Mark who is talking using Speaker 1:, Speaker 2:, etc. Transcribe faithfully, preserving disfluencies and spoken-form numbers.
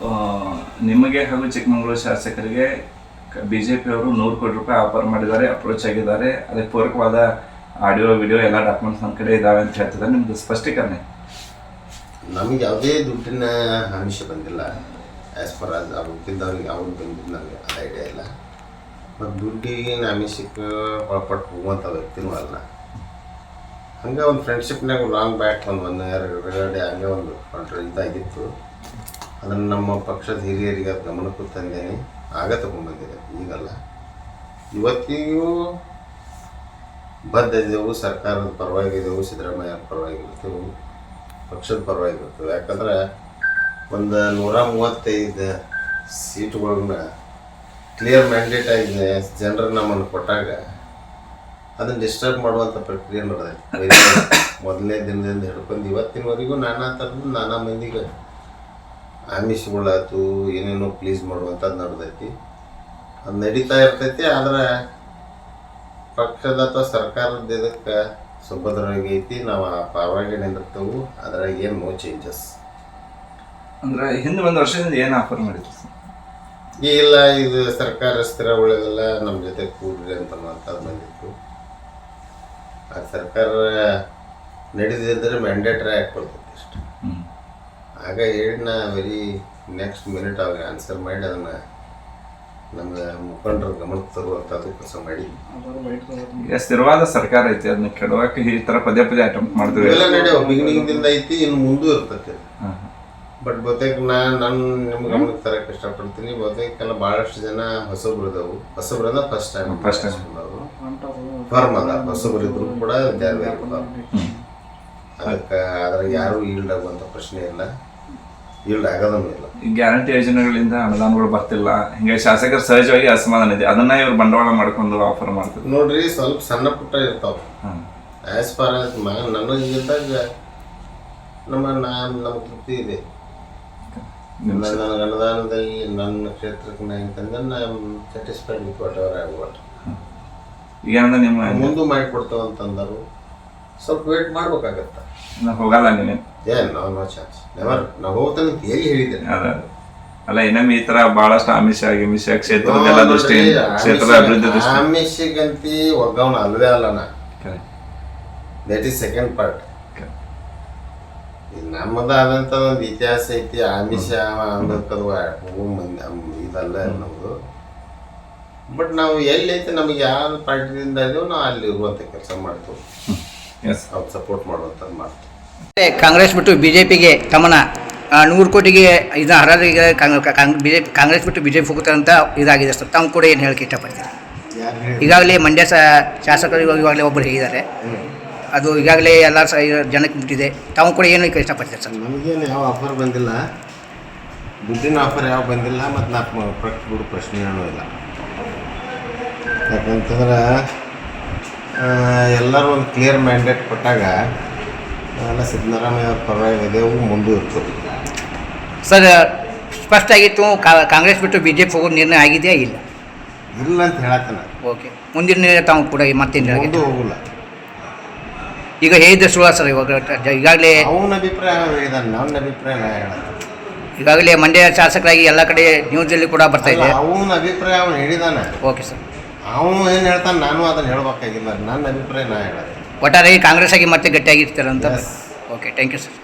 Speaker 1: ನಿಮಗೆ ಹಾಗೂ ಚಿಕ್ಕಮಗಳೂರು ಶಾಸಕರಿಗೆ ಬಿ ಜೆ ಪಿಯವರು ನೂರು ಕೋಟಿ ರೂಪಾಯಿ ಆಫರ್ ಮಾಡಿದ್ದಾರೆ, ಅಪ್ರೋಚ್ ಆಗಿದ್ದಾರೆ. ಅದಕ್ಕೆ ಪೂರಕವಾದ ಆಡಿಯೋ ವಿಡಿಯೋ ಎಲ್ಲ ಡಾಕ್ಯುಮೆಂಟ್ಸ್ ನಮ್ಮ ಕಡೆ ಇದ್ದಾವೆ ಅಂತ ಹೇಳ್ತಿದ್ದಾರೆ. ನಿಮ್ಮದು ಸ್ಪಷ್ಟೀಕರಣ?
Speaker 2: ನಮಗೆ ಯಾವುದೇ ದುಡ್ಡಿನ ಆಮಿಷ ಬಂದಿಲ್ಲ. ಆ್ಯಸ್ ಪರ್ ಅದು ಅವ್ರು ಹುಟ್ಟಿದ್ದವ್ರಿಗೆ ಅವ್ರು ಬಂದಿದ್ದು ನನಗೆ ಅದು ಐಡಿಯಾ ಇಲ್ಲ. ಮತ್ತು ದುಡ್ಡಿನ ಆಮಿಷಕ್ಕೆ ಒಳಪಟ್ಟು ಹೋಗುವಂಥ ವ್ಯಕ್ತಿನೂ ಅಲ್ಲ. ಹಂಗೆ ಒಂದು ಫ್ರೆಂಡ್ಶಿಪ್ನಾಗ ಲಾಂಗ್ ಬ್ಯಾಕ್ ಒಂದು ಒನ್ ಇಯರ್ ಎರಡೆ ಹಂಗೆ ಒಂದು ಕಾಂಟ್ರ ಇದಾಗಿತ್ತು. ಅದನ್ನು ನಮ್ಮ ಪಕ್ಷದ ಹಿರಿಯರಿಗೆ ಅದು ಗಮನಕ್ಕೂ ತಂದೇನೆ, ಆಗ ತಗೊಂಡ್ಬಂದಿದೆ, ಈಗಲ್ಲ. ಇವತ್ತಿಗೂ ಬದ್ಧ ಇದ್ದೆವು, ಸರ್ಕಾರದ ಪರವಾಗಿದ್ದೆವು, ಸಿದ್ದರಾಮಯ್ಯ ಪರವಾಗಿರ್ತೇವೆ, ಪಕ್ಷದ ಪರವಾಗಿರ್ತೇವೆ. ಯಾಕಂದ್ರೆ ಒಂದು ನೂರ ಮೂವತ್ತೈದು ಸೀಟುಗಳನ್ನ ಕ್ಲಿಯರ್ ಮ್ಯಾಂಡೇಟ್ ಆಗಿದೆ ಜನರು ನಮ್ಮನ್ನು ಕೊಟ್ಟಾಗ ಅದನ್ನು ಡಿಸ್ಟರ್ಬ್ ಮಾಡುವಂಥ ಪ್ರಕ್ರಿಯೆ ನಡೆದೈತಿ. ಮೊದಲನೇ ದಿನದಿಂದ ಹಿಡ್ಕೊಂಡು ಇವತ್ತಿನವರೆಗೂ ನಾನಾ ಥರದ್ದು ನಾನಾ ಮಂದಿಗೆ ಆಮಿಷಗಳಾಯ್ತು, ಏನೇನೋ ಪ್ಲೀಸ್ ಮಾಡುವಂಥದ್ದು ನಡೆದೈತಿ. ಅದು ನಡೀತಾ ಇರ್ತೈತಿ. ಆದರೆ ಪಕ್ಷದ ಅಥವಾ ಸರ್ಕಾರದ ಇದಕ್ಕೆ ಸುಭದ್ರವಾಗಿ ಐತಿ. ನಾವು ಆ ಪರವಾಗಿ ನಿಂದಿರ್ತೇವೆ. ಅದ್ರಾಗ ಏನು ನೋ ಚೇಂಜಸ್.
Speaker 1: ಅಂದರೆ ಹಿಂದೆ ಒಂದು ವರ್ಷದಿಂದ ಏನು ಆಫರ್ ಮಾಡಿದ್ರು ಸರ್?
Speaker 2: ಇಲ್ಲ, ಇದು ಸರ್ಕಾರ ಸ್ಥಿರ ಉಳಿದಲ್ಲ, ನಮ್ಮ ಜೊತೆ ಕೂಡ್ರಿ ಅಂತ ಮಾತಾಡ್ ಬಂದಿತ್ತು. ಆ ಸರ್ಕಾರ ನಡೆದಿದ್ದರೆ ಮ್ಯಾಂಡೇಟ್ರಿ ಹಾಕ್ಕೊಳ್ತೈತಿ ಅಷ್ಟು. ಆಗ ಹೇಳಿ ನಾ ವೆರಿ ನೆಕ್ಸ್ಟ್ ಮಿನಿಟ್ ಅವ್ರಿಗೆ ಆನ್ಸರ್ ಮಾಡಿ ಅದನ್ನು ನಮ್ಮ ಮುಖಂಡರ ಗಮನಕ್ಕೆ ತರುವಂಥದ್ದು ಕೆಲಸ ಮಾಡಿ.
Speaker 1: ಈಗ ಸ್ಥಿರವಾದ ಸರ್ಕಾರ ಐತಿ, ಅದನ್ನ ಕೆಡವಕ್ಕೆ ಈ ಥರ ಪದೇ ಪದೇ ಅಟೆಂಪ್ಟ್ ಮಾಡ್ತೀವಿ.
Speaker 2: ಎಲ್ಲ ನಡೆಯೋ ಬಿಗಿನಿಂಗ್ದಿಂದ ಐತಿ, ಇನ್ನು ಮುಂದೂ ಇರ್ತೈತಿ. ಬಟ್ ಬಹುತೇಕ ನಾನು ನಾನು ನಿಮ್ಮ ಗಮನಕ್ಕೆ ತರಕ್ಕೆ ಇಷ್ಟಪಡ್ತೀನಿ. ಬಹುತೇಕೆಲ್ಲ ಭಾಳಷ್ಟು ಜನ ಹೊಸಬ್ರು ಇದಾವು. ಹೊಸಬ್ರಿಂದ first time
Speaker 1: first time
Speaker 2: firm ಅದ. ಹೊಸಬ್ರು ಇದ್ರು ಕೂಡ ಜಾರಿ ಅದಕ್ಕೆ ಅದ್ರಾಗ ಯಾರೂ ಈಲ್ಡ್ ಆಗುವಂಥ ಪ್ರಶ್ನೆ ಇಲ್ಲ, ಈಲ್ಡ್ ಆಗೋದೂ ಇಲ್ಲ.
Speaker 1: ಈ ಗ್ಯಾರಂಟಿ ಯೋಜನೆಗಳಿಂದ ಅನುದಾನಗಳು ಬರ್ತಿಲ್ಲ, ಹಿಂಗೆ ಶಾಸಕರ ಸಹಜವಾಗಿ ಅಸಮಾಧಾನ ಇದೆ. ಅದನ್ನ ಇವ್ರು ಬಂಡವಾಳ ಮಾಡ್ಕೊಂಡು ಆಫರ್ ಮಾಡ್ತಾರೆ.
Speaker 2: ನೋಡ್ರಿ, ಸ್ವಲ್ಪ ಸಣ್ಣ ಪುಟ್ಟ ಇರ್ತಾವ. ಆಸ್ ಫಾರ್ ಆಸ್ ನನಗಿದ್ದಾಗ ನಮ್ಮ ನಾನು ನಮ್ಮ ತೃಪ್ತಿ ಇದೆ. ನನ್ನ ಅನುದಾನದಲ್ಲಿ ನನ್ನ ಕ್ಷೇತ್ರಕ್ಕೆ ನಾನು ಅಂತಂದ್ರೆ ನಾನು satisfied with whatever I want.
Speaker 1: ಈಗ ನಿಮ್ಮ
Speaker 2: ಮುಂದೆ ಮಾಡಿಕೊಡ್ತೇವೆ ಅಂತಂದರು. ಸ್ವಲ್ಪ ವೇಟ್ ಮಾಡ್ಬೇಕಾಗತ್ತ.
Speaker 1: ಹೋಗಲ್ಲ ನೀನು?
Speaker 2: ಏ ನೋ ನೋ ಚಾನ್ಸ್, ನೆವರ್. ನಾವು ಹೋಗ್ತಾನೆ ಅಂತ ಎಲ್ಲಿ ಹೇಳಿದ್ದೇನೆ.
Speaker 1: ಅದ ಅಲ್ಲ, ಇನ್ನೊಮ್ಮೆ ಈ ತರ ಬಹಳಷ್ಟು ಆಮಿಷ ಗಿಮಿಷ ಕ್ಷೇತ್ರದ ದೃಷ್ಟಿ, ಕ್ಷೇತ್ರದ ಅಭಿವೃದ್ಧಿ ದೃಷ್ಟಿ.
Speaker 2: ಆಮಿಷಗಂತಿ ಒಗ್ಗವನ ಅಲ್ವೇ ಅಲ್ಲ ನಾ. That is second part. ನಮ್ಮದಾದಂಥ ಒಂದು ಇತಿಹಾಸ ಐತಿ. ಆಮಿಷ ಅನ್ನೋಕ್ಕದು ಹೋಗೋ ಮಂದಿ ಇದಲ್ಲ ನಮ್ಮದು. ಬಟ್ ನಾವು ಎಲ್ಲಿ ಐತೆ ನಮಗೆ ಯಾವ ಪಾರ್ಟಿಯಿಂದ ಇದೆಯೋ ನಾವು ಅಲ್ಲಿ ಇರುವಂಥ ಕೆಲಸ ಮಾಡ್ತೀವಿ. ಅವ್ರು ಸಪೋರ್ಟ್ ಮಾಡುವಂಥದ್ದು ಮಾಡ್ತೀವಿ.
Speaker 3: ಕಾಂಗ್ರೆಸ್ ಬಿಟ್ಟು ಬಿ ಜೆ ಪಿಗೆ ತಮ್ಮನ ನೂರು ಕೋಟಿಗೆ ಇದನ್ನ ಹರಾಜಿಗೆ ಬಿ ಜೆ ಪಿ ಕಾಂಗ್ರೆಸ್ ಬಿಟ್ಟು ಬಿ ಜೆ ಪಿ ಹೋಗ್ತಾರೆ ಅಂತ ಇದಾಗಿದೆ ಸರ್. ತಾವು ಕೂಡ ಏನು ಹೇಳಕ್ಕೆ ಇಷ್ಟಪಡ್ತೀರಿ? ಈಗಾಗಲೇ ಮಂಡ್ಯ ಶಾಸಕರು ಇವಾಗಲೇ ಒಬ್ಬರು ಹೇಳಿದ್ದಾರೆ, ಅದು ಈಗಾಗಲೇ ಎಲ್ಲ ಸ ಜನಕ್ಕೆ ಮುಟ್ಟಿದೆ. ತಾವು ಕೂಡ ಏನು ಇಷ್ಟಪಡ್ತೀರಿ ಸರ್?
Speaker 2: ನಮಗೇನು ಯಾವ ಆಫರ್ ಬಂದಿಲ್ಲ, ದುಡ್ಡಿನ ಆಫರ್ ಯಾವ ಬಂದಿಲ್ಲ. ಮತ್ತು ನಾ ಪ್ರಶ್ನೆ ಬಿಡು ಪ್ರಶ್ನೆ ಏನೂ ಇಲ್ಲ. ಯಾಕಂತಂದ್ರೆ ಎಲ್ಲರೂ ಒಂದು ಕ್ಲಿಯರ್ ಮ್ಯಾಂಡೇಟ್ ಕೊಟ್ಟಾಗ ಎಲ್ಲ ಸಿದ್ದರಾಮಯ್ಯ ಅವ್ರ ಪರವಾಗಿದೆವು, ಮುಂದೂ ಇರ್ತದೆ.
Speaker 3: ಸರ್, ಸ್ಪಷ್ಟ ಆಗಿತ್ತು ಕಾಂಗ್ರೆಸ್ ಬಿಟ್ಟು ಬಿ ಜೆ ಪಿ ಹೋಗೋದು ನಿರ್ಣಯ ಆಗಿದೆಯಾ? ಇಲ್ಲ
Speaker 2: ಇಲ್ಲ ಅಂತ ಹೇಳತ್ತಾನ.
Speaker 3: ಓಕೆ, ಮುಂದಿನ ನಿರ್ಣಯ ತಾವು ಕೂಡ ಮತ್ತೇನು
Speaker 2: ಹೋಗಿಲ್ಲ.
Speaker 3: ಈಗ ಹೇಳಿದ್ರೆ ಸುಳ್ಳ ಸರ್? ಇವಾಗ ಈಗಾಗಲೇ
Speaker 2: ಅವನ ಅಭಿಪ್ರಾಯ ಹೇಳಿದಾನೆ, ನನ್ನ ಅಭಿಪ್ರಾಯ ನಾ ಹೇಳತ್ತೆ.
Speaker 3: ಈಗಾಗಲೇ ಮಂಡ್ಯ ಶಾಸಕರಾಗಿ ಎಲ್ಲ ಕಡೆ ನ್ಯೂಸಲ್ಲಿ ಕೂಡ ಬರ್ತಾ ಇದೆ.
Speaker 2: ಅವನ ಅಭಿಪ್ರಾಯ ಅವನು ಹೇಳಿದಾನೆ.
Speaker 3: ಓಕೆ ಸರ್,
Speaker 2: ಅವನು ಏನು ಹೇಳ್ತಾನೆ ನಾನು ಅದನ್ನು ಹೇಳ್ಬೇಕಾಗಿಲ್ಲ. ನನ್ನ ಅಭಿಪ್ರಾಯ ನಾ ಹೇಳತ್ತೆ.
Speaker 3: ಒಟ್ಟಾರೆ ಕಾಂಗ್ರೆಸ್ ಆಗಿ ಮತ್ತೆ ಗಟ್ಟಿಯಾಗಿರ್ತಾರೆ ಅಂತ. Okay, thank you sir.